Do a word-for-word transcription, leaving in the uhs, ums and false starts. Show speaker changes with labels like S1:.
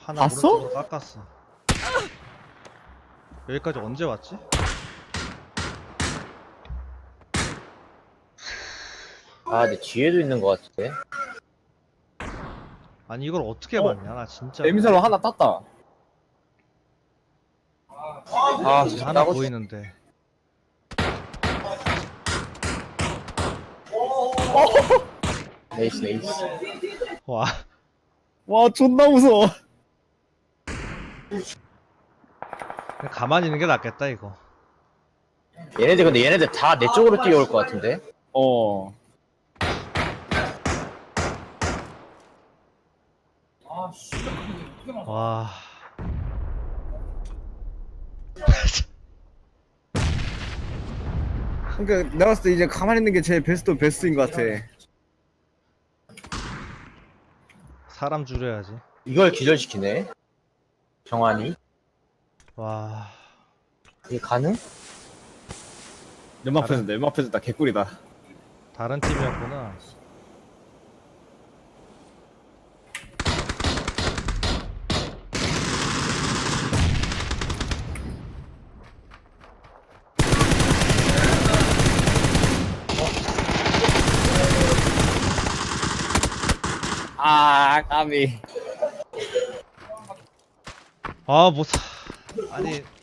S1: 하나
S2: 봤어?
S1: 오른쪽으로 깎았어. 여기까지 언제 왔지?
S3: 아, 내 뒤에도 있는 것 같은데.
S1: 아니 이걸 어떻게
S2: 어?
S1: 봤냐 나 진짜.
S2: 에미사로 하나 땄다.
S3: 아,
S1: 지금
S3: 진짜
S1: 하나
S3: 따고
S1: 보이는데.
S3: 네이스, 네이스.
S1: 와.
S2: 와 존나 무서워.
S1: 그냥 가만히 있는 게 낫겠다 이거.
S3: 얘네들 근데 얘네들 다 내 쪽으로 뛰어올 것 같은데.
S2: 어.
S1: 와.
S2: 그러니까 내가 봤을 때 이제 가만히 있는 게 제일 베스트 베스트인 것 같아.
S1: 사람 줄여야지.
S3: 이걸 기절시키네. 정환이.
S1: 와.
S3: 이게 가능?
S2: 연막 펴준다. 연막 펴준다. 개꿀이다.
S1: 다른 팀이었구나.
S2: 아 까비.
S1: 아, 뭐 사... 아니